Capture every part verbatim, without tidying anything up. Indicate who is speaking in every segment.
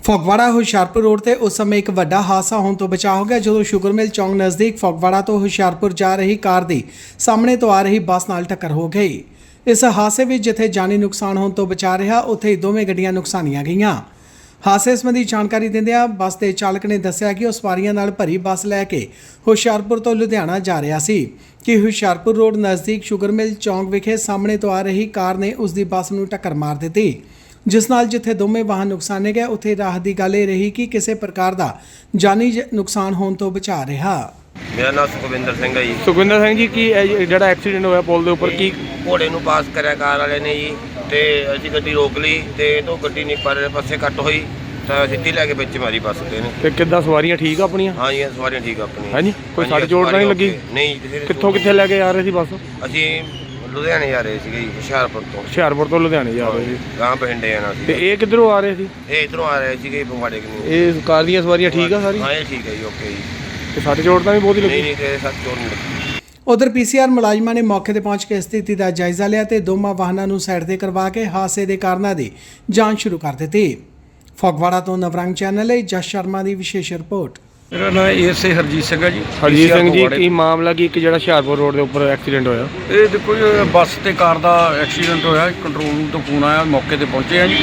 Speaker 1: Phagwara Hoshiarpur road ਤੇ ਉਸ ਸਮੇਂ ਇੱਕ ਵੱਡਾ ਹਾਦਸਾ ਹੋਣ ਤੋਂ ਬਚਾ ਹੋ ਗਿਆ ਜਦੋਂ ਸ਼ੂਗਰ ਮਿਲ ਚੌਂਕ ਨਜ਼ਦੀਕ ਫਗਵਾੜਾ ਤੋਂ ਹੁਸ਼ਿਆਰਪੁਰ ਜਾ ਰਹੀ ਕਾਰ ਦੀ ਸਾਹਮਣੇ ਤੋਂ ਆ ਰਹੀ ਬੱਸ ਨਾਲ ਟੱਕਰ ਹੋ ਗਈ। ਇਸ ਹਾਦਸੇ ਵਿੱਚ ਜਿੱਥੇ ਜਾਨੀ ਨੁਕਸਾਨ ਹੋਣ ਤੋਂ ਬਚਾ ਰਿਹਾ ਉੱਥੇ ਹੀ ਦੋਵੇਂ ਗੱਡੀਆਂ ਨੁਕਸਾਨੀਆਂ ਗਈਆਂ। ਹਾਦਸੇ ਸੰਬੰਧੀ ਜਾਣਕਾਰੀ ਦਿੰਦਿਆਂ ਬੱਸ ਦੇ ਚਾਲਕ ਨੇ ਦੱਸਿਆ ਕਿ ਉਹ ਸਵਾਰੀਆਂ ਨਾਲ ਭਰੀ ਬੱਸ ਲੈ ਕੇ ਹੁਸ਼ਿਆਰਪੁਰ ਤੋਂ ਲੁਧਿਆਣਾ ਜਾ ਰਿਹਾ ਸੀ ਕਿ ਹੁਸ਼ਿਆਰਪੁਰ ਰੋਡ ਨਜ਼ਦੀਕ ਸ਼ੂਗਰ ਮਿਲ ਚੌਂਕ ਵਿਖੇ ਸਾਹਮਣੇ ਤੋਂ ਆ ਰਹੀ ਕਾਰ ਨੇ ਉਸ ਦੀ ਬੱਸ ਨੂੰ ਟੱਕਰ ਮਾਰ ਦਿੱਤੀ, ਜਿਸ ਨਾਲ ਜਿੱਥੇ ਦੋਵੇਂ ਵਾਹਨ ਨੁਕਸਾਨੇ ਗਏ ਉੱਥੇ ਰਾਹਤ ਦੀ ਗੱਲ ਇਹ ਰਹੀ ਕਿ ਕਿਸੇ ਪ੍ਰਕਾਰ ਦਾ ਜਾਨੀ ਨੁਕਸਾਨ ਹੋਣ ਤੋਂ ਬਚਾ ਰਿਹਾ।
Speaker 2: ਮੇਰਾ ਨਾਮ ਸੁਖਵਿੰਦਰ ਸਿੰਘ ਹੈ ਜੀ।
Speaker 3: ਸੁਖਵਿੰਦਰ ਸਿੰਘ ਜੀ, ਕੀ ਇਹ ਜਿਹੜਾ ਐਕਸੀਡੈਂਟ ਹੋਇਆ ਪੁਲ ਦੇ ਉੱਪਰ ਕੀ
Speaker 2: ਘੋੜੇ ਨੂੰ ਪਾਸ ਕਰਿਆ ਕਾਰ ਵਾਲੇ ਨੇ ਜੀ, ਤੇ ਅਸੀਂ ਗੱਡੀ ਰੋਕ ਲਈ ਤੇ ਤੋਂ ਗੱਡੀ ਨਹੀਂ ਪਰ ਪਾਸੇ ਕੱਟ ਹੋਈ ਤਾਂ ਸਿੱਧੀ ਲੈ ਕੇ ਵਿੱਚ ਮਾਰੀ ਬੱਸ ਤੇ ਨੇ।
Speaker 3: ਤੇ ਕਿੱਦਾਂ ਸਵਾਰੀਆਂ ਠੀਕ ਆ ਆਪਣੀਆਂ?
Speaker 2: ਹਾਂ ਜੀ, ਸਵਾਰੀਆਂ ਠੀਕ ਆ ਆਪਣੀਆਂ।
Speaker 3: ਹਾਂਜੀ, ਕੋਈ ਸੱਟ ਚੋਟ ਤਾਂ ਨਹੀਂ ਲੱਗੀ?
Speaker 2: ਨਹੀਂ। ਕਿਸੇ
Speaker 3: ਕਿੱਥੋਂ ਕਿੱਥੇ ਲੈ ਕੇ ਆ ਰਹੇ ਸੀ ਬੱਸ?
Speaker 2: ਅਸੀਂ ਲੁਧਿਆਣੇ ਜਾ ਰਹੇ ਸੀਗੇ ਜੀ, ਹੁਸ਼ਿਆਰਪੁਰ ਤੋਂ।
Speaker 3: ਹੁਸ਼ਿਆਰਪੁਰ ਤੋਂ ਲੁਧਿਆਣੇ ਜਾ ਰਹੇ ਸੀ।
Speaker 2: ਗਾਂ ਬਠਿੰਡੇ ਜਾਣਾ ਸੀ।
Speaker 3: ਤੇ ਇਹ ਕਿੱਧਰੋਂ ਆ ਰਹੇ ਸੀ?
Speaker 2: ਇਹ ਇਧਰੋਂ ਆ ਰਹੇ ਸੀਗੇ ਫਗਵਾੜੇ ਕਿੰਨੀ।
Speaker 3: ਇਹ ਕਾਰ ਦੀਆਂ ਸਵਾਰੀਆਂ ਠੀਕ ਆ ਸਾਰੀ?
Speaker 2: ਹਾਂ, ਇਹ ਠੀਕ ਹੈ ਜੀ, ਓਕੇ ਜੀ।
Speaker 3: ਤੇ ਸੱਟ ਚੋਟ ਤਾਂ ਵੀ ਬਹੁਤ ਹੀ
Speaker 2: ਨਹੀਂ
Speaker 3: ਲੱਗੀ?
Speaker 2: ਨਹੀਂ, ਕਿਸੇ ਸੱਟ ਚੋਟ ਨਹੀਂ ਲੱਗੀ।
Speaker 1: ਉਧਰ ਪੀਸੀਆਰ ਮੁਲਾਜ਼ਮਾਂ ਨੇ ਮੌਕੇ ਤੇ ਪਹੁੰਚ ਕੇ ਸਥਿਤੀ ਦਾ ਜਾਇਜ਼ਾ ਲਿਆ ਤੇ ਦੋਵਾਂ ਵਾਹਨਾਂ ਨੂੰ ਸਾਈਡ ਤੇ ਕਰਵਾ ਕੇ ਹਾਦਸੇ ਦੇ ਕਾਰਨਾਂ ਦੀ ਜਾਂਚ ਸ਼ੁਰੂ ਕਰ ਦਿੱਤੀ। ਫਗਵਾੜਾ ਤੋਂ ਨਵਰੰਗ ਚੈਨਲ ਲਈ ਜਸ ਸ਼ਰਮਾ ਦੀ ਵਿਸ਼ੇਸ਼ ਰਿਪੋਰਟ।
Speaker 4: ਮੇਰਾ ਨਾਮ ਏਐਸਏ ਹਰਜੀਤ ਸਿੰਘ ਹੈ ਜੀ।
Speaker 3: ਹਰਜੀਤ ਸਿੰਘ ਜੀ, ਕੀ ਮਾਮਲਾ ਕੀ ਇੱਕ ਜਿਹੜਾ ਹੁਸ਼ਿਆਰਪੁਰ ਰੋਡ ਦੇ ਉੱਪਰ ਐਕਸੀਡੈਂਟ ਹੋਇਆ?
Speaker 4: ਇਹ ਦੇਖੋ ਜੀ, ਬੱਸ ਤੇ ਕਾਰ ਦਾ ਐਕਸੀਡੈਂਟ ਹੋਇਆ। ਕੰਟਰੋਲ ਰੂਮ ਤੋਂ ਫੋਨ ਆਇਆ, ਮੌਕੇ ਤੇ ਪਹੁੰਚੇ ਆ ਜੀ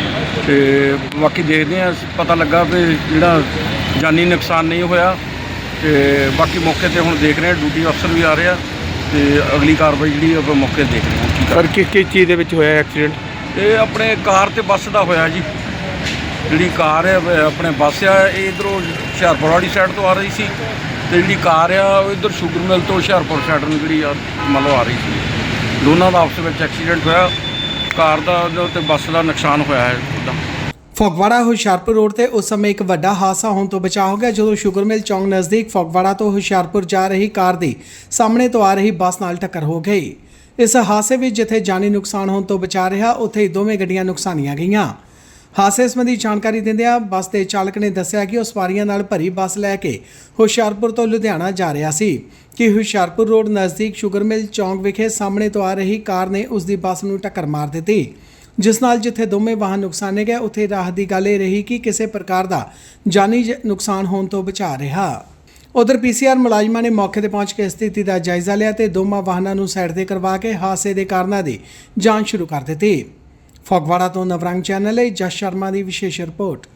Speaker 4: ਤੇ ਬਾਕੀ ਦੇਖਦੇ ਆ। ਪਤਾ ਲੱਗਾ ਵੀ ਜਿਹੜਾ ਜਾਨੀ ਨੁਕਸਾਨ ਨਹੀਂ ਹੋਇਆ ਤੇ ਬਾਕੀ ਮੌਕੇ ਤੇ ਹੁਣ ਦੇਖ ਰਹੇ ਆ, ਡਿਊਟੀ ਅਫਸਰ ਵੀ ਆ ਰਹੇ ਆ ਤੇ ਅਗਲੀ ਕਾਰਵਾਈ ਜਿਹੜੀ ਆਪਾਂ ਮੌਕੇ ਤੇ ਦੇਖ ਰਹੇ ਹਾਂ ਕੀ ਕਰ।
Speaker 3: ਸਰ, ਕਿਸ ਕਿਸ ਚੀਜ਼ ਦੇ ਵਿੱਚ ਹੋਇਆ ਐਕਸੀਡੈਂਟ?
Speaker 4: ਇਹ ਆਪਣੇ ਕਾਰ ਤੇ ਬੱਸ ਦਾ ਹੋਇਆ ਜੀ। ਜਿਹੜੀ ਕਾਰ ਹੈ ਆਪਣੇ ਬੱਸ ਆ, ਇਹ ਇੱਧਰੋਂ ਹੁਸ਼ਿਆਰਪੁਰ ਵਾਲੀ ਸਾਈਡ ਤੋਂ ਆ ਰਹੀ ਸੀ ਤੇ ਜਿਹੜੀ ਕਾਰ ਆ ਉਹ ਇੱਧਰ ਸ਼ੂਗਰ ਮਿਲ ਤੋਂ ਹੁਸ਼ਿਆਰਪੁਰ ਸਾਈਡ ਨੂੰ ਜਿਹੜੀ ਆ ਮਤਲਬ ਆ ਰਹੀ ਸੀ। ਦੋਨਾਂ ਦਾ ਆਪਸ ਵਿੱਚ ਐਕਸੀਡੈਂਟ ਹੋਇਆ। ਕਾਰ ਦਾ ਤੇ ਬੱਸ ਦਾ ਨੁਕਸਾਨ ਹੋਇਆ ਹੈ ਇੱਦਾਂ।
Speaker 1: ਫਗਵਾੜਾ ਹੁਸ਼ਿਆਰਪੁਰ ਰੋਡ ਤੇ ਉਸ ਸਮੇਂ ਇੱਕ ਵੱਡਾ ਹਾਦਸਾ ਹੋਣ ਤੋਂ ਬਚਾ ਹੋ ਗਿਆ ਜਦੋਂ ਸ਼ੂਗਰ ਮਿਲ ਚੌਂਕ ਨਜ਼ਦੀਕ ਫਗਵਾੜਾ ਤੋਂ ਹੁਸ਼ਿਆਰਪੁਰ ਜਾ ਰਹੀ ਕਾਰ ਦੀ ਸਾਹਮਣੇ ਤੋਂ ਆ ਰਹੀ ਬੱਸ ਨਾਲ ਟੱਕਰ ਹੋ ਗਈ। ਇਸ ਹਾਦਸੇ ਵਿੱਚ ਜਿੱਥੇ ਜਾਨੀ ਨੁਕਸਾਨ ਹੋਣ ਤੋਂ ਬਚਾ ਰਿਹਾ ਉੱਥੇ ਹੀ ਦੋਵੇਂ ਗੱਡੀਆਂ ਨੁਕਸਾਨੀਆਂ ਗਈਆਂ। ਹਾਦਸੇ ਸੰਬੰਧੀ ਜਾਣਕਾਰੀ ਦਿੰਦਿਆਂ ਬੱਸ ਦੇ ਚਾਲਕ ਨੇ ਦੱਸਿਆ ਕਿ ਉਹ ਸਵਾਰੀਆਂ ਨਾਲ ਭਰੀ ਬੱਸ ਲੈ ਕੇ ਹੁਸ਼ਿਆਰਪੁਰ ਤੋਂ ਲੁਧਿਆਣਾ ਜਾ ਰਿਹਾ ਸੀ ਕਿ ਹੁਸ਼ਿਆਰਪੁਰ ਰੋਡ ਨਜ਼ਦੀਕ ਸ਼ੂਗਰ ਮਿਲ ਚੌਂਕ ਵਿਖੇ ਸਾਹਮਣੇ ਤੋਂ ਆ ਰਹੀ ਕਾਰ ਨੇ ਉਸ ਦੀ ਬੱਸ ਨੂੰ ਟੱਕਰ ਮਾਰ ਦਿੱਤੀ, ਜਿਸ ਨਾਲ ਜਿੱਥੇ ਦੋਵੇਂ ਵਾਹਨ ਨੁਕਸਾਨੇ ਗਏ ਉੱਥੇ ਰਾਹਤ ਦੀ ਗੱਲ ਇਹ ਰਹੀ ਕਿ ਕਿਸੇ ਪ੍ਰਕਾਰ ਦਾ ਜਾਨੀ ਨੁਕਸਾਨ ਹੋਣ ਤੋਂ ਬਚਾ ਰਿਹਾ। ਉਧਰ ਪੀਸੀਆਰ ਮੁਲਾਜ਼ਮਾਂ ਨੇ ਮੌਕੇ ਤੇ ਪਹੁੰਚ ਕੇ ਸਥਿਤੀ ਦਾ ਜਾਇਜ਼ਾ ਲਿਆ ਤੇ ਦੋਵਾਂ ਵਾਹਨਾਂ ਨੂੰ ਸਾਈਡ ਤੇ ਕਰਵਾ ਕੇ ਹਾਦਸੇ ਦੇ ਕਾਰਨਾਂ ਦੀ ਜਾਂਚ ਸ਼ੁਰੂ ਕਰ ਦਿੱਤੀ। ਫਗਵਾੜਾ ਤੋਂ ਨਵਰੰਗ ਚੈਨਲ ਲਈ ਜਸ ਸ਼ਰਮਾ ਦੀ ਵਿਸ਼ੇਸ਼ ਰਿਪੋਰਟ।